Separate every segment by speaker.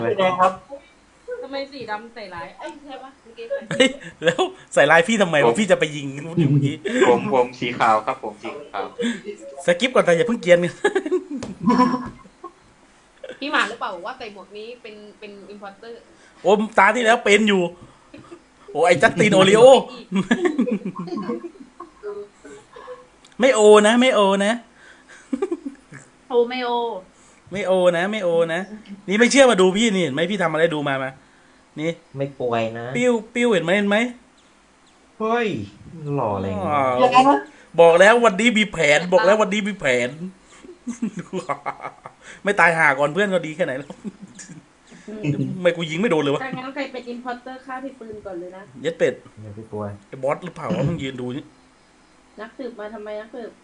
Speaker 1: สีแดงครับ
Speaker 2: ทำไมสีดำใส่ร้ายเอ้ยใช่ปะเมื่อกี้ใส่
Speaker 3: เฮ้ยแล้วใส่ลายพี่ทำไมวะพี่จะไปยิงนู่นอยู่เมื่อกี้
Speaker 4: ผมสีขาวครับผมสีขาว
Speaker 3: สกิปก่อนแต่อย่าเพิ่งเกรียนกัน
Speaker 2: พี่หมาหรือเปล่าว่าใส่หมวกนี้เป็นอิมพอร์เตอร์
Speaker 3: โอ้ตาที่แล้วเป็นอยู่โอ้ไอจัสตินโอริโอไม่โอนะไม่โอนะ
Speaker 2: โอไม่โอ
Speaker 3: ไม่โอนะไม่โอนะนี่ไม่เชื่อมาดูพี่นี่เห็นไหมพี่ทำอะไรดูมานี่
Speaker 1: ไม่ป่วยนะ
Speaker 3: ปิ้วเห็นไหม
Speaker 1: เฮ้ยหล่ออะไร
Speaker 3: อ๋อ
Speaker 1: เงี้ย
Speaker 3: บอกแล้ววันนี้มีแผนบอกแล้ววันนี้มีแผน ไม่ตายห่าก่อนเพื่อนก็ดีแค่ไหนแล้วไม่กูยิงไม่โดนเลยวะ
Speaker 2: ถ้างั้นใครเป็นอิมพอร์เตอร์ฆ่าพี่ปืนก่อนเลยนะ
Speaker 3: เย็ดเป็ด
Speaker 1: เดี๋ยวพี่ป่วย
Speaker 3: ไอ้บอสหรือเปล่าวะมึงยืนดูนี่
Speaker 2: นักสืบมาทำไมนักสืบ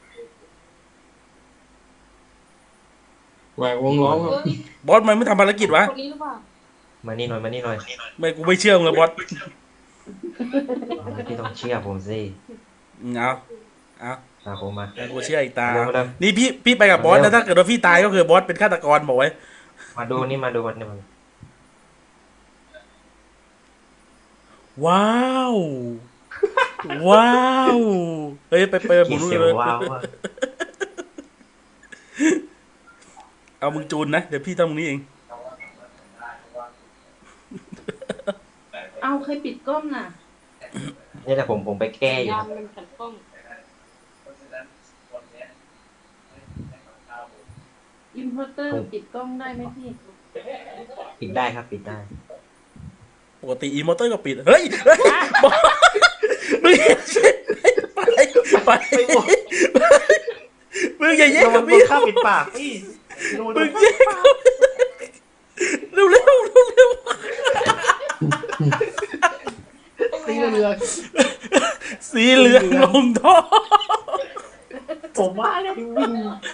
Speaker 5: แหวกวงล้อมครับ
Speaker 3: บอสมันไม่ทำภารกิจวะ
Speaker 2: คนนี้หรือเปล่า
Speaker 1: มานี่หน่อยมานี่หน่อย
Speaker 3: ไม่กูไม่เชื่อมึงเลยบอส
Speaker 1: พี่ต้องเชื่อผมสิ
Speaker 3: เอา
Speaker 1: ตามผมมา
Speaker 3: แต่กูเชื่ออีกตา
Speaker 1: เร็วเร็ว
Speaker 3: นี่พี่ไปกับบอสแล้วถ้าเกิดว่าพี่ตายก็คือบอสเป็นฆาตกรบอกไว้
Speaker 1: มาดูนี่มาดูมันนี่มัน
Speaker 3: ว้าวว้าวเฮ้ยไปหมุ
Speaker 1: กี่
Speaker 3: น
Speaker 1: เสียว
Speaker 3: เลย
Speaker 1: ว้าวอะ
Speaker 3: เอามึงจูนนะเดี๋ยวพี่ทำตรงนี้เอง
Speaker 2: เอาใครปิดกล้องน่ะ
Speaker 1: นี่แหละผมไปแก้อยู่
Speaker 2: ยามมันขัดกล้องอิมพอร์เตอร์ปิดกล้องได้ไหมพี่
Speaker 1: ปิดได้ครับปิดได้
Speaker 3: ปกติอีโมเตอร์ก็ปิดเฮ้ยบอสมึงไปมึงอย่าแย่งกับพี่
Speaker 1: ข้าปิดปากพี่
Speaker 3: มึงแย่งกับเร็ว
Speaker 1: สีเหลือง
Speaker 3: สีเหลืองลงท่อ
Speaker 1: ผมว่าแล้ววิ่ง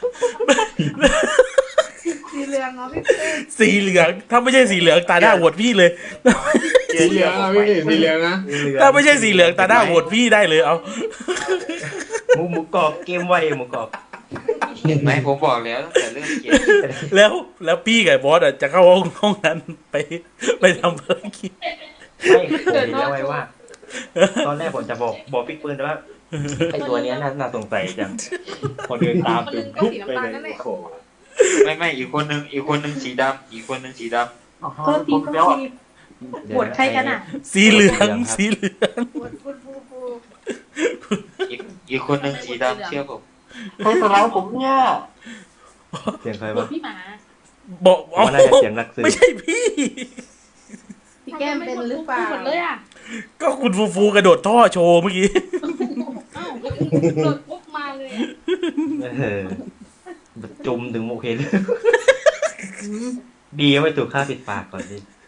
Speaker 2: สีเหลืองเหรอพี่
Speaker 3: สีเหลืองถ้าไม่ใช่สีเหลืองตาหน้าโหวตพี่เลย
Speaker 5: สีเหลืองนะพี่สีเหลืองนะ
Speaker 3: ถ้าไม่ใช่สีเหลืองตาหน้าโหวตพี่ได้เลยเอา
Speaker 1: หมูกรอบเกมไวหมูกรอบ
Speaker 4: เห็นไหมผมบอกแล้วตั้งแต่เรื่องเกม
Speaker 3: แล้วพี่กับบอสจะเข้าห้องนั้นไปทำภารกิจ
Speaker 1: ไม่ผมเห็นแล้วไว้ว่า ตอนแรกผมจะบอกพี่ปืนแต่ว่าไอตัวเนี้ยน่าสงสัยจังคนเดินตาม
Speaker 2: คน
Speaker 1: ตึ
Speaker 2: นึ
Speaker 1: ง
Speaker 2: งก็สีน้ำตาลนั่นแหละ
Speaker 4: ไม่อีกคนนึงสีดำอีกคนนึงสีดำ
Speaker 2: โทษทีโทษทีปวดใครกันอ่ะ
Speaker 3: สีเหลือง
Speaker 2: ปวดฟู
Speaker 4: อีกคนนึงสีดำเชื่อผม
Speaker 1: ใครสลายผมเนี่ยเสียงใคร
Speaker 2: ปว
Speaker 1: วะ
Speaker 2: ดพี่หมา
Speaker 3: บอก
Speaker 1: ว่าน่าจะเสียงนักสืบ
Speaker 3: ไม่ใช่พี่
Speaker 2: พี่แก้มเป็นหรือเปล่าหมดเลยอ่ะ
Speaker 3: ก็คุณฟูกระโดดท่อโชว์เมื่อกี้
Speaker 2: เอ้าโดดปุ๊บมาเลยอ่ะ
Speaker 1: จุ่มถึงโอเคเลยดีไม่ถูกฆ่าปิดปากก่อนดิ